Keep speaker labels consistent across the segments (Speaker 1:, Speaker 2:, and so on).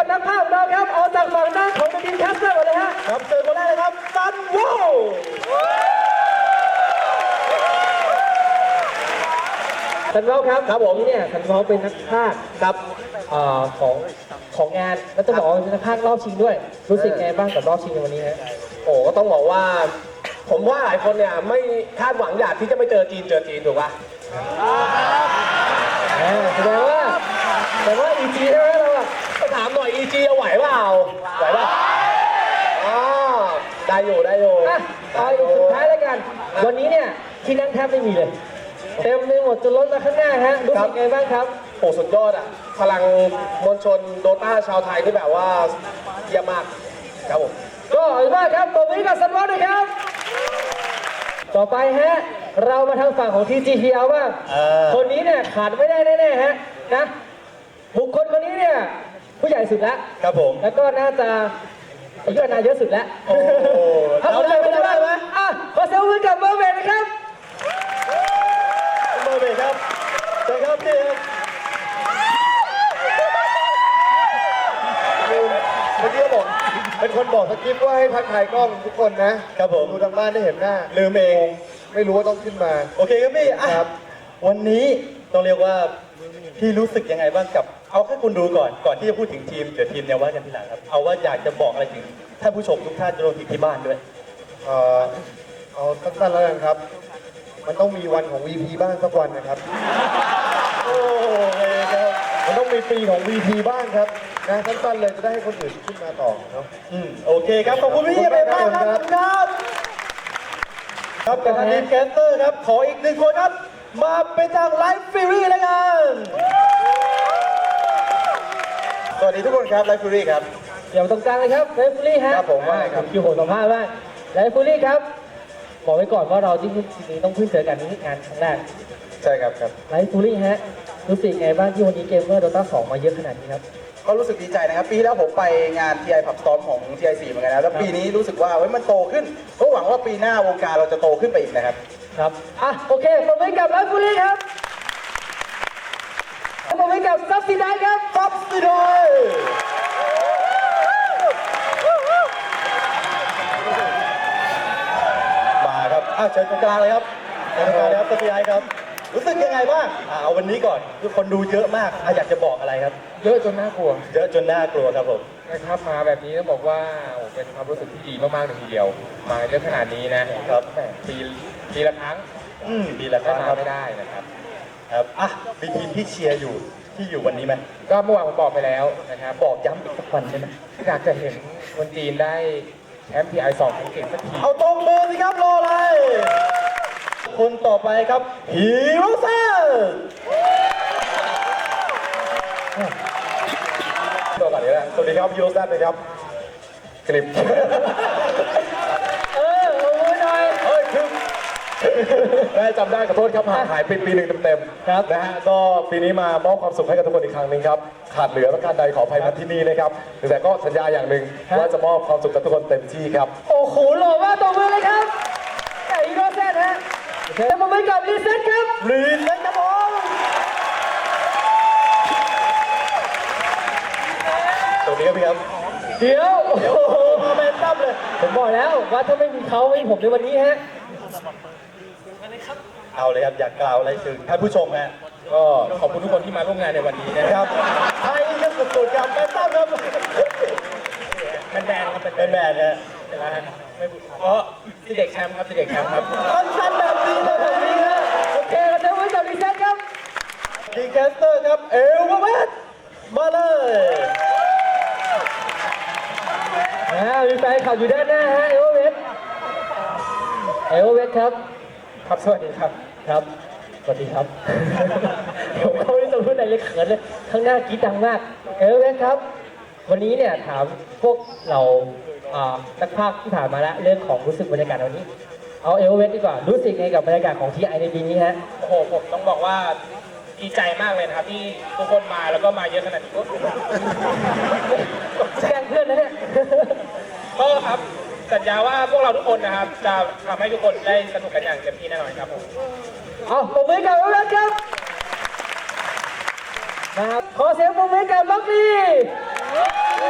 Speaker 1: กับนักภาพเราครับเอาจากฝั่งหน้าของทีมแคสเตอร์ก่อนเลยฮะ
Speaker 2: ครับเจอคนแรกเลยครับซันโว
Speaker 1: สันวอลครับผมเนี่ยสันวอลเป็นนักพากย์ครับของงานแล้วจะบอกว่าเป็นนักพากย์รอบชิงด้วยรู้สึกไงบ้างกับรอบชิงในวันนี้ฮะ
Speaker 2: โอ้ก็ต้องบอกว่าผมว่าหลายคนเนี่ยไม่คาดหวังอยากที่จะไม่เจอจีนถูกป่ะ
Speaker 1: แสดงว่าEGใช่ไหมเราอะ
Speaker 2: ก็ถามหน่อย EG เอาไหวเปล่าไหวป่ะอ๋อได้อยู่
Speaker 1: เอาอีกสุดท้ายแล้วกันวันนี้เนี่ยที่นั่งแทบไม่มีเลยเต็มไปหมดจนล้นมาข้างหน้าฮะรู้สึกไงบ้างครับ
Speaker 2: โอ้สุดยอดอ่ะพลังมวลชนโดต้าชาวไทยที่แบบว่าเยี่ยมมากครับผม
Speaker 1: ก็ขอบคุณมากครับตัวนี้กับซันวอลด้วยครับต่อไปฮะเรามาทางฝั่งของ TGPL บ้างคนนี้เนี่ยขาดไม่ได้แน่ๆฮะนะบุคคลคนนี้เนี่ยผู้ใหญ่สุดแล้ว
Speaker 2: ครับผม
Speaker 1: แล้วก็น่าจะอายุนายเยอะสุดแล้ว
Speaker 2: โอ้
Speaker 1: เราได้ไหมขอเซลฟี่กับเมอร์เวย์นะครับ
Speaker 2: เมอร์เวย์ครับเชิญครับพี่ครับ
Speaker 3: เมื่อกี้บอกเป็นคนบอกสคริปต์ว่าให้ทักทายกล้องทุกคนนะครับ
Speaker 2: ผม
Speaker 3: ดูทางบ้านได้เห็นหน้า
Speaker 2: ลืมเอง
Speaker 3: ไม่รู้ว่าต้องขึ้นมา
Speaker 2: โอเคครับพี่ครับวันนี้ต้องเรียกว่าพี่รู้สึกยังไงบ้างกับเอาแค่คุณดูก่อนที่จะพูดถึงทีมเดี๋ยวทีมเนี่ยว่ากันทีหลังครับเอาว่าอยากจะบอกอะไรถึงท่านผู้ชมทุกท่านรวมถึงที่บ้านด้วย
Speaker 3: เอาสั้นๆแล้วกันครับมันต้องมีวันของ VP บ้างสักวันนะครับ
Speaker 2: โอ้ครับ
Speaker 3: มันต้องมีปีของ VP บ้างครับนะสั้นๆเลยจะได้ให้คนอื่นขึ้นมาต่อเนาะ
Speaker 2: โอเคครับขอบคุณพี่เอมากครับครับกับทีมแคสเตอร์ครับขออีกหนึ่งคนครับมาเป็นจากไลฟ์ฟิรี่แล้วกัน
Speaker 3: สวัสดีทุกคนครับไลฟ์ฟิรี่ครับ
Speaker 1: เดี๋ยวตรงกลางเลยครับไลฟ์ฟิรี่ฮะ
Speaker 3: ครับผมว่าครับ
Speaker 1: คิวผมสัมภาษณ์ว่าไลฟ์ฟิรี่ครับบอกไว้ก่อนว่าเราที่นี้ต้องพึ่งเจอกันนี่งานครั้งแรก
Speaker 3: ใช่ครับ
Speaker 1: ไลฟ์ฟิรี่ฮะรู้สึกไงบ้างที่วันนี้เกมเมอร์โดต้า2มาเยอะขนาดนี้ครับ
Speaker 4: ก็รู้สึกดีใจนะครับปีที่แล้วผมไปงาน TI Pub Storm ของ TI4 เหมือนกันนะแล้วปีนี้รู้สึกว่ามันโตขึ้นก็หวังว่าปีหน้าวงการเราจะโตขึ้นไปอีกนะครับ
Speaker 1: ครับโอเคปรบมือกับไลฟ์ฟิรี่ครับปรบมือกับซับซิไดครับ
Speaker 2: ซับซิไดมาครับเชิญตรงกลางเลยครับเชิญตรงกลางเลยครับซับซิไดครับรู้สึกยังไงบ้างเอาวันนี้ก่อนทุกคนดูเยอะมากอยากจะบอกอะไรครับ
Speaker 1: เยอะจนน่ากลัว
Speaker 2: ครับผม
Speaker 1: นะครับมาแบบนี้ต้องบอกว่าเป็นความรู้สึกที่ดีมากๆเลยทีเดียวมาเยอะขนาดนี้นะครับปีละครั้ง
Speaker 2: ปีละครั้ง
Speaker 1: ไม่ได้นะครับ
Speaker 2: มีทีมที่เชียร์อยู่ที่อยู่วันนี้ไหม
Speaker 1: ก็เมื่อวานผมบอกไปแล้วนะครับบอกย้ำอีกสักวันใช่ไหมอยากจะเห็นคนจีนได้แชมป์ PI2 ของเก่งสักที
Speaker 2: เอาตรงมือสิครับรออะไรคนต่อไปครับฮีโร่เซน
Speaker 3: สวัสดีครับฮีโร่เซนนะครับคลิป
Speaker 1: โอ้ยหน่อย
Speaker 3: ได้จำได้ขอโทษครับห่างหายปีหนึ่งเต็มๆ
Speaker 1: ครับ
Speaker 3: นะฮะก็ปีนี้มามอบความสุขให้กับทุกคนอีกครั้งหนึ่งครับขาดเหลือประการใดขออภัยมาที่นี่นะครับแต่ก็สัญญาอย่างหนึ่งว่าจะมอบความสุขกับทุกคนเต็มที่ครับ
Speaker 1: โอ้โหหล่อมากตบมือเลยครับฮีโร่เซนฮะจะมาเป็นกับรีเซ็ตครับ
Speaker 2: ครับผมสวัสดีครับพี่ครับ
Speaker 1: เดี๋ยว
Speaker 2: โอ้โหมาเป็นตั้มเลย
Speaker 1: ผมบอกแล้วว่าถ้าไม่มีเขาไม่มีผมในวันนี้ฮะ
Speaker 2: เอาเลยครับอยากกล่าวอะไรถึงท่านผู้ชมฮะ
Speaker 1: ก็ขอบคุณทุกคนที่มาร่วมงานในวันนี้นะครับ
Speaker 2: ไทยก็สุดๆครับเป็นตั้มครับ
Speaker 1: แบนครับ
Speaker 2: เป็นแบนฮะ
Speaker 1: ที่เด็กแชมป์ครับที่เด็กแชมป์ครับ
Speaker 2: สั้นแบบนี้เลยแบบนี้ฮะ
Speaker 1: โอเคเราจะไว้กับรีเซ็ตครับ
Speaker 2: ดีแคสเตอร์ครับเอลวาเวสมาเลย
Speaker 1: มีแฟนขับอยู่ด้านหน้าฮะเอลวาเวสครับครับสวัสดีครับครับสวัสดีครับผมเขาไม่ต้องพูดอะไรเลยเขินเลยข้างหน้ากรี๊ดดังมากเอลวาเวสครับวันนี้เนี่ยถามพวกเรานักพากย์ที่ผ่านมาแล้วเรื่องของรู้สึกบรรยากาศวันนี้เอาเอลวาเวสดีกว่ารู้สึกไงกับบรรยากาศของTIในปีนี้ฮะ
Speaker 5: โอ้โหผมต้องบอกว่าดีใจมากเลยนะครับที่ทุกคนมาแล้วก็มาเยอะขนาดนี้
Speaker 1: แจ้งเพื่อนนะเนี่ย
Speaker 5: ก็ครับสัญญาว่าพวกเราทุกคนนะครับจะทำให้ทุกคนได้สนุกกันอย่างเต็มที่แน่นอนครับผม
Speaker 1: ปรบมือกับเอลวาเวสครับขอเสียงปรบมือกับล็อกลี่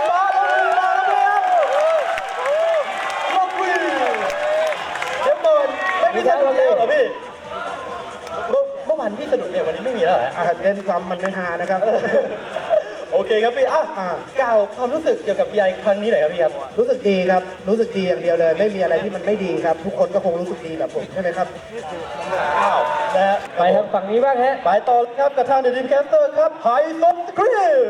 Speaker 4: เล่นซ้ำมันไม่ฮานะครับ
Speaker 2: โอเคครับพี่กล่าวความรู้สึกเกี่ยวกับ PI ครั้งนี้หน่อยครับพี่ครับ
Speaker 4: รู้สึกดีครับ รู้สึกดีอย่างเดียวเลย ไม่มีอะไรที่มันไม่ดีครับ ทุกคนก็คงรู้สึกดีแบบผมใช่ไหมครับ
Speaker 2: นะฮะ
Speaker 1: ไปทางฝั่งนี้บ้างฮะ
Speaker 2: ไปต่อครับกับทางเดอะดีมแคสเตอร์ครับไฮโซสครีม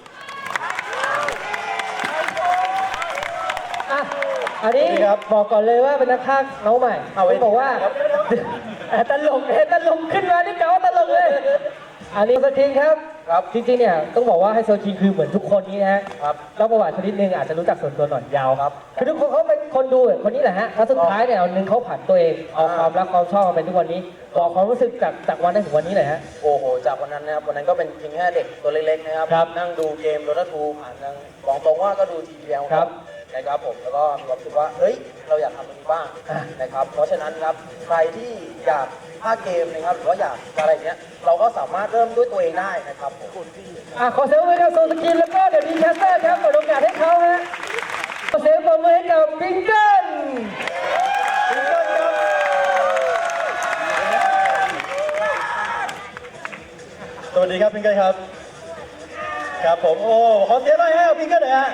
Speaker 1: อ่ะ อันนี้
Speaker 2: สวัสดีครับ
Speaker 1: บอกก่อนเลยว่าเป็นนักพากย์น้องใหม่
Speaker 2: เอาไว้
Speaker 1: ที่บอกว่า
Speaker 2: ครับ
Speaker 1: ตลกตลกขึ้นมานี่เก๋าตลกเลย อันนี้สกินครับ
Speaker 2: ครับ
Speaker 1: จริงๆเนี่ยต้องบอกว่าไฮโซคิงคือเหมือนทุกคนนี้นะฮะ
Speaker 2: ครับ
Speaker 1: เล่าประวัติชนิดนึงอาจจะรู้จักส่วนตัวหน่อยยาวครับคือทุกคนเขาเป็นคนดูคนนี้แหละฮะแล้วสุดท้ายเนี่ยวันหนึงเขาผันตัวเองเอาความรักความชอบมาเป็นทุกวันนี้บอกความรู้สึกจากวันนั้นถึงวันนี้เลยฮะ
Speaker 6: โอ้โห จากวันนั้นนะครับ วันนั้นก็เป็นเพียงแค่เด็กตัวเล็กๆนะครับ
Speaker 1: ครับ
Speaker 6: นั่งดูเกมโดตาทูผ่านทางบอกตรงว่าก็ดูทีวี
Speaker 1: ครับ
Speaker 6: นะครับผม แล้วก็มีความรู้สึกว่า เฮ้ย เราอยากทำมันนี้บ้าง
Speaker 1: อ่ะ
Speaker 6: นะครับ เพราะฉะนั้นครับ ใครที่อยากภาคเกมนะครับ หรือว่าอยากอะไรเงี้ย เราก็สามารถเริ่มด้วยตัวเองได้นะครับผม
Speaker 1: ขอเสียงปรบมือให้กับโซสกินแล้วก็เดี๋ยวดีแคสเตอร์ครับเปิดโอกาสให้เขาฮะขอเสียงปรบมือให้กับปิงเกิล
Speaker 2: สวัสดีครับพิงเกิลครับ ครับผม โอ้ ขอเสียงหน่อยให้กับพิงเกิลหน่อยฮะ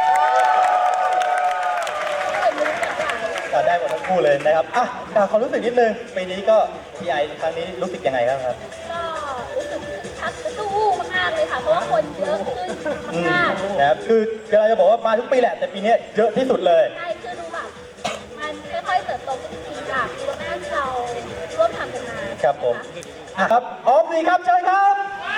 Speaker 2: ได้หมดทั้งคู่เลยนะครับกล่าวความรู้สึกนิดนึงปีนี้ก็ PI ครั้งนี้รู้สึกยังไงบ้างครับ
Speaker 7: ก็รู้สึกชักกระตู้มากๆเลยค่ะ เพราะว่าคนเยอะขึ้นมาก
Speaker 2: นะครับคือเราจะบอกว่ามาทุกปีแหละ แต่ปีนี้เยอะที่สุดเลย
Speaker 7: ใช่คือดูแบบมันค่อยๆเติบโตขึ้นจริงๆจากปีแรกที่เราร่วมทำกันมา
Speaker 2: ครับผม
Speaker 7: นะะ
Speaker 2: ครับออมดีครับเชิญครับ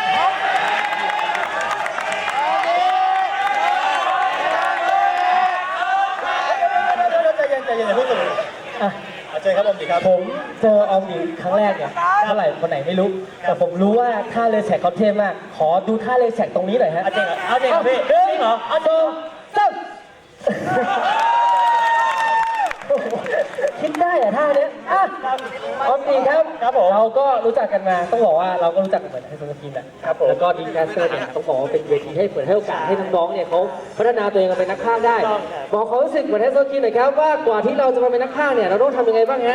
Speaker 2: ใจเย็นใจเย็นอย่าเพิ่งตื่น
Speaker 1: อ่ะ
Speaker 2: เชิญครับออมดีครับ
Speaker 1: ผมเจอออมหญิงครั้งแรกเนี่ยเท่าไหร่คนไหนไม่รู้ แต่ผมรู้ว่าท่าเลแสกเขาเท่มาก ขอดูท่าเลแสกตรงนี้หน่อยฮะ
Speaker 2: จริงเหรอจริงเหรอพี่
Speaker 1: จริงเหรอเอาดูซ้ำคิดได้อะท่าเนี้ยอ่ะออมหญิงครับ
Speaker 2: ครับผม
Speaker 1: เราก็รู้จักกันมาต้องบอกว่าเราก็รู้จักกันเหมือนไฮโซสกินแหละ
Speaker 2: ครับผม
Speaker 1: แล้วก็ดีแคสเตอร์เนี่ยต้องบอกว่าเป็นเวทีให้เปิดให้โอกาสให้น้องๆเนี่ยเขาพัฒนาตัวเองมาเป็นนักพากย์ได้ บอกความรู้สึกเหมือนไฮโซสกินหน่อยครับว่ากว่าที่เราจะมาเป็นนักพากย์เนี่ยเราต้องทำยังไงบ้างฮะ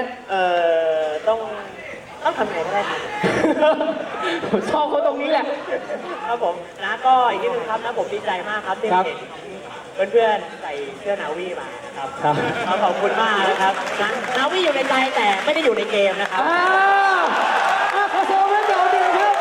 Speaker 6: ต้องทำไงก็ได้ครับ
Speaker 1: ผมชอบเขาตรงนี้แหละ
Speaker 8: ครับผมนะก็อีกนิดนึงครับนะผมดีใจมากครับที่
Speaker 1: ครับ
Speaker 8: เห็นเพื่อนๆใส่เสื้อนาวีมาครับ
Speaker 1: ครับ
Speaker 8: ขอบคุณมากนะครับนะนาวีอยู่ในใจแต่ไม่ได้อยู่ในเกมนะครับ
Speaker 1: ขอเสียงปรบมือให้กับออมหญิงครับ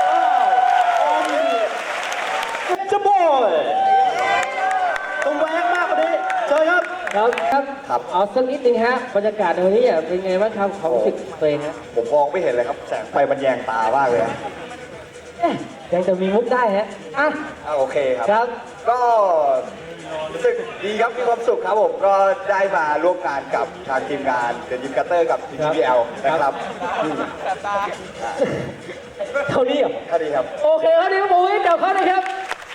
Speaker 2: จะบอยต้องแวกมากกว่านี้เชิญครับ
Speaker 1: ครับเอาสักนิดนึงฮะบรรยากาศในวันนี้เนี่ยเป็นไงบ้างครับความรู้สึกตัวเองฮะ
Speaker 4: ผมมองไม่เห็นเลยครับ แสงไฟมันแยงตามากเลย
Speaker 1: เอ๊ะยังจะมีมุกได้ฮะอ่ะ
Speaker 4: โอเคครับ
Speaker 1: ครับ
Speaker 4: ก็รู้สึกดีครับ มีความสุขครับผม ก็ได้มาร่วมงานกับทางทีมงานเดอะยิมคัตเตอร์กับ TPL นะครับ
Speaker 1: เท่านี้เหรอ
Speaker 4: เท่านี้ครับ
Speaker 1: โอเคครับเดี๋ยวผมให้กับเขาเลยครับ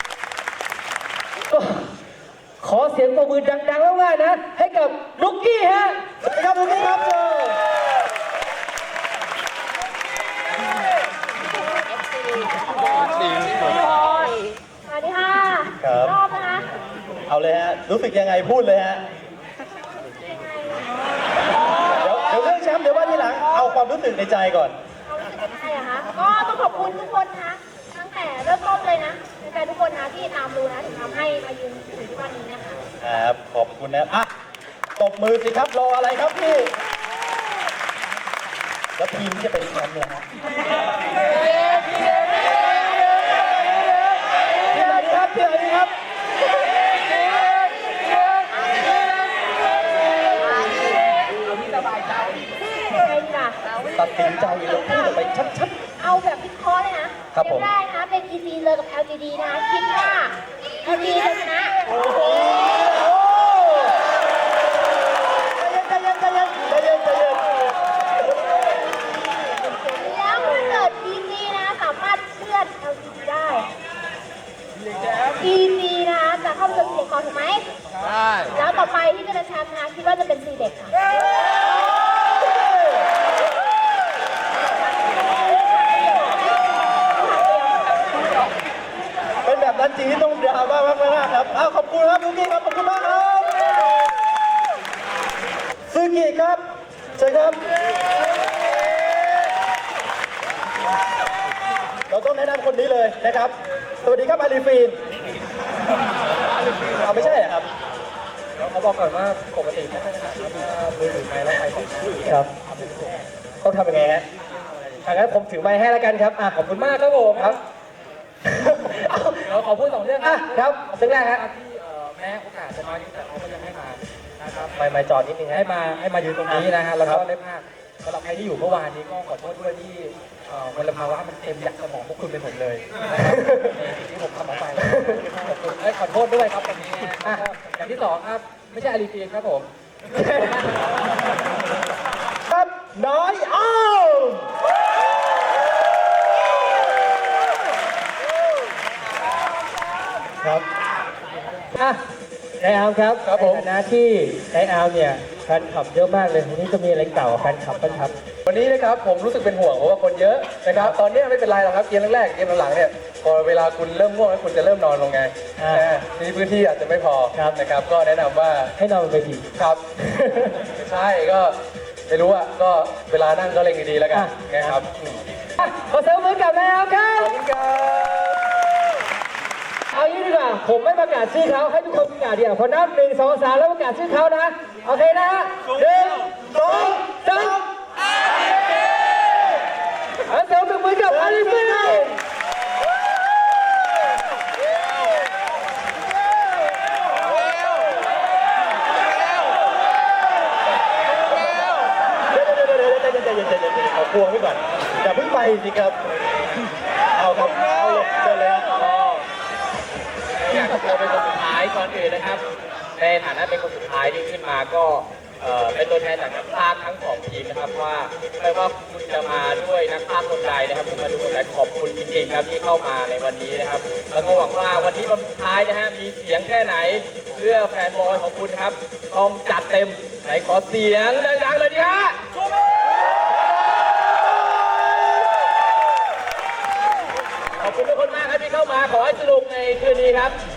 Speaker 1: ขอเสียงปรบมือดังๆมากๆนะ ให้กับนุกกี้ฮะ
Speaker 2: สวัสดีครับทุกท่านครับเชิญ
Speaker 7: สวัสดีค่ะ
Speaker 2: ครับ
Speaker 7: รอบนะคะ
Speaker 2: เอาเลยฮะ รู้สึกยังไงพูดเลยฮะ เดี๋ยวเรื่องแชมป์เดี๋ยวว่าทีหลัง เอาความรู้สึกในใจก่อน
Speaker 7: เรารู้สึกยังไงอะคะก็ต้องขอบคุณทุกคนนะคะตั้งแต่เริ่มต้นเลยนะแฟนๆทุกคนนะที่ตามดูนะถึงทำให้มายืนถึงทุกวันนี้นะคะ
Speaker 2: ครับ ขอบคุณนะครับตบมือสิครับ รออะไรครับพี่ แล้วทีมที่จะเป็นแชมป์เลยฮะทีมไหนดีครับทีมไหนดีครับ
Speaker 7: ใครดีล่ะ
Speaker 2: ตัดสินใจเลยพูดออกไปชัด
Speaker 7: เอาแบบวิเคราะห์เลยนะครับ
Speaker 2: ผม
Speaker 7: เกแรกนะคะเป็น EC เลยกับ LGD นะคะคิดว่า LGD จะชนะ
Speaker 2: ๆ โอ้โหใจเย็นใจเย็นใจเย็นใจเย็น
Speaker 7: แล้วถ้าเกิด EC นะสามารถเลื่อน LGD ได้ EC นะจะเข้าไปเป็น4ก่อนถูกไหมใช่แล้วต่อไปที่จะเป็นแชมป์นะคิดว่าจะเป็น C เด็กค่ะ
Speaker 2: เป็นแบบนั้นจริงที่ต้องดราม่ามากๆครับขอบคุณครับลูกี้ครับ ขอบคุณมากครับซูกิครับเชิญครับ ตเราต้องแนะนำคนนี้เลยนะครับ สวัสดีครับอาลีฟีนเอาไม่ใช่เหรอครับ
Speaker 1: เขาบอกก่อนว่าปกติไม่ค่อยถนัดครับมือถือไม้แล้วไปของครับต้องทำยังไงฮะงั้นผมถือไม้ให้แล้วกันครับขอบคุณมากครับผมครับเราขอพูด2เรื่องครับเรื่องแรกครับที่แม้โอกาสจะน้อยนิดแต่เขาก็ยังให้มานะครับไม่จอดนิดนึงให้มายืนตรงนี้นะฮะแล้วก็ได้ภาคสำหรับใครที่อยู่เมื่อวานนี้ก็ขอโทษด้วยที่มลภาวะมันเต็มยักษ์สมองพวกคุณเป็นผมเลยนะครับที่ผมทำออกไปขอบคุณขอโทษด้วยครับตรงนี้อย่างที่2ครับไม่ใช่อาลีฟีนครับผม
Speaker 2: ครับน้อยอ้าว
Speaker 1: ครับนายอาร์มครับครับผมในฐานะที่นายอาร์มเนี่ยแฟนคลับเยอะมากเลยวันนี้จะมีอะไรเก่าแฟนคลับบ้างครับ
Speaker 3: วันนี้นะครับผมรู้สึกเป็นห่วงเพราะว่าคนเยอะนะครับตอนนี้ไม่เป็นไรหรอกครับเกมแรกๆเกมหลังๆเนี่ยพอเวลาคุณเริ่มง่วงแล้วคุณจะเริ่มนอนลงไงทีพื้นที่อาจจะไม่พอนะครับก็แนะนำว่า
Speaker 1: ให้นอนบนเวที
Speaker 3: ครับ ใช่ก็ไม่รู้อ่ะก็เวลานั่งก็เล็งดีๆแล้วกันนะครับ
Speaker 1: ขอเสริมมือกับนายอาร์มครับ
Speaker 3: ขอบคุณครับ
Speaker 1: เอางี้ดีกว่าผมไม่ประกาศชื่อเขาให้ทุกคนประกาศเดียวพอนับ1 2 3แล้วประกาศชื่อเขานะโอเคนะ1 2 3เอาเสริมมือกับอาลีฟีน
Speaker 2: เอาพวงไว้ก่อนอย่าเพิ่งไปสิครับ เอาครับเอาเลยเชิญเลยครับ
Speaker 5: อยากจะเป็นคนสุดท้ายก่อนอื่นนะครับ ในฐานะเป็นคนสุดท้ายที่ขึ้นมาก็เป็นตัวแทนจากนักพากย์ทั้ง2ทีมนะครับว่าไม่ว่าคุณจะมาด้วยนักพากย์คนใดนะครับคุณมาดูคนใดขอบคุณจริงๆครับที่เข้ามาในวันนี้นะครับแล้วก็หวังว่าวันนี้วันสุดท้ายนะฮะมีเสียงแค่ไหนเพื่อแฟนบอลของคุณครับต้องจัดเต็มไหนขอเสียงดังๆเลยดิฮะขอบคุณทุกคนมากครับที่เข้ามาขอให้สนุกในคืนนี้ครับ